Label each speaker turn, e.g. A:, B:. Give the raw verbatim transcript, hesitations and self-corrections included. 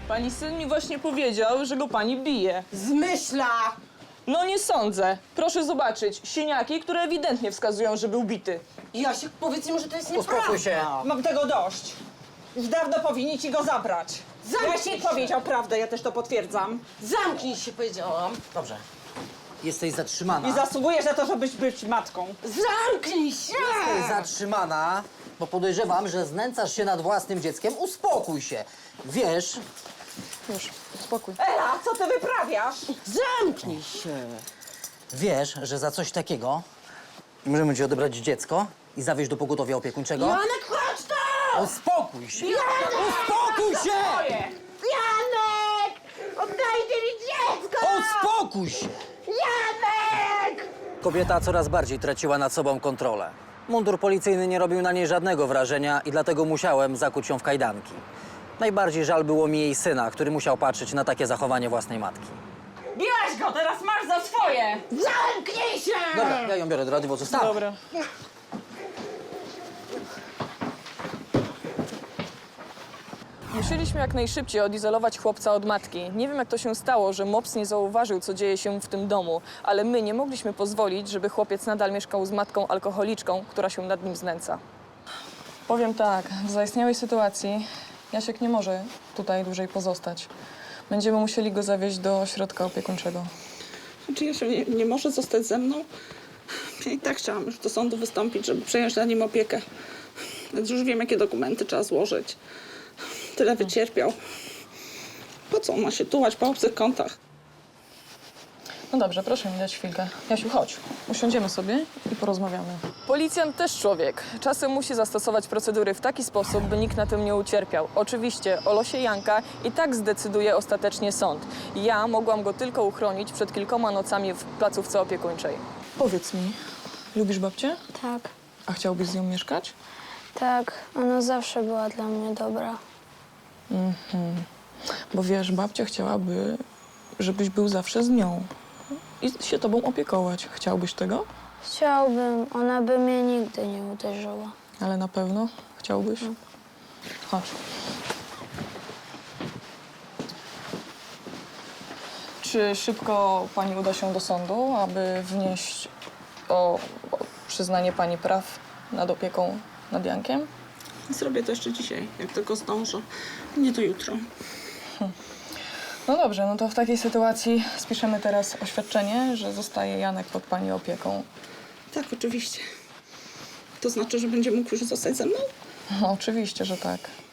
A: Pani syn mi właśnie powiedział, że go pani bije.
B: Zmyśla!
A: No nie sądzę. Proszę zobaczyć, siniaki, które ewidentnie wskazują, że był bity.
B: Jasiek, powiedz im, że to jest nieprawda.
C: Uspokój się.
D: Mam tego dość. Już dawno powinni ci go zabrać.
B: Zamknij
D: Jasiek
B: się.
D: powiedział prawdę, ja też to potwierdzam.
B: Zamknij się, powiedziałam.
C: Dobrze. Jesteś zatrzymana.
D: I zasługujesz na to, żebyś być matką.
B: Zamknij się!
C: Jesteś zatrzymana, bo podejrzewam, że znęcasz się nad własnym dzieckiem. Uspokój się. Wiesz,
A: Już, spokój.
D: Ela, co ty wyprawiasz?
B: Zamknij się!
C: wiesz, że za coś takiego możemy ci odebrać dziecko i zawieźć do pogotowia opiekuńczego.
B: Janek, chodź tu!
C: Uspokój się!
B: Janek!
C: Uspokój się!
B: Janek! Oddajcie mi dziecko!
C: Uspokój się!
B: Janek!
C: Kobieta coraz bardziej traciła nad sobą kontrolę. Mundur policyjny nie robił na niej żadnego wrażenia i dlatego musiałem zakuć ją w kajdanki. Najbardziej żal było mi jej syna, który musiał patrzeć na takie zachowanie własnej matki.
D: Biłaś go, teraz masz za swoje!
B: Zamknij się!
C: Dobra, ja ją biorę do radiowozu. Wstawaj.
A: Dobra. Musieliśmy jak najszybciej odizolować chłopca od matki. Nie wiem, jak to się stało, że mops nie zauważył, co dzieje się w tym domu, ale my nie mogliśmy pozwolić, żeby chłopiec nadal mieszkał z matką alkoholiczką, która się nad nim znęca. Powiem tak, w zaistniałej sytuacji Jasiek nie może tutaj dłużej pozostać. Będziemy musieli go zawieźć do ośrodka opiekuńczego.
E: Czy Jasiu nie, nie może zostać ze mną? Ja i tak chciałam już do sądu wystąpić, żeby przejąć na nim opiekę. Więc już wiem, jakie dokumenty trzeba złożyć. Tyle wycierpiał. Po co on ma się tułać po obcych kątach?
A: No dobrze, proszę mi dać chwilkę. Jasiu, chodź. Usiądziemy sobie i porozmawiamy. Policjant też człowiek. Czasem musi zastosować procedury w taki sposób, by nikt na tym nie ucierpiał. Oczywiście o losie Janka i tak zdecyduje ostatecznie sąd. Ja mogłam go tylko uchronić przed kilkoma nocami w placówce opiekuńczej. Powiedz mi, lubisz babcię?
F: Tak,
A: A chciałbyś z nią mieszkać?
F: tak. Ona zawsze była dla mnie dobra.
A: Bo wiesz, babcia chciałaby, żebyś był zawsze z nią i się tobą opiekować. Chciałbyś tego?
F: Chciałbym, ona by mnie nigdy nie uderzyła.
A: Ale na pewno chciałbyś? Chodź. Czy szybko pani uda się do sądu, aby wnieść o, o przyznanie pani praw nad opieką nad Jankiem?
E: Zrobię to jeszcze dzisiaj, jak tylko zdążę. Nie to jutro.
A: No dobrze, no to w takiej sytuacji spiszemy teraz oświadczenie, że zostaje Janek pod pani opieką.
E: Tak, oczywiście. To znaczy, że będzie mógł już zostać ze mną?
A: No, oczywiście, że tak.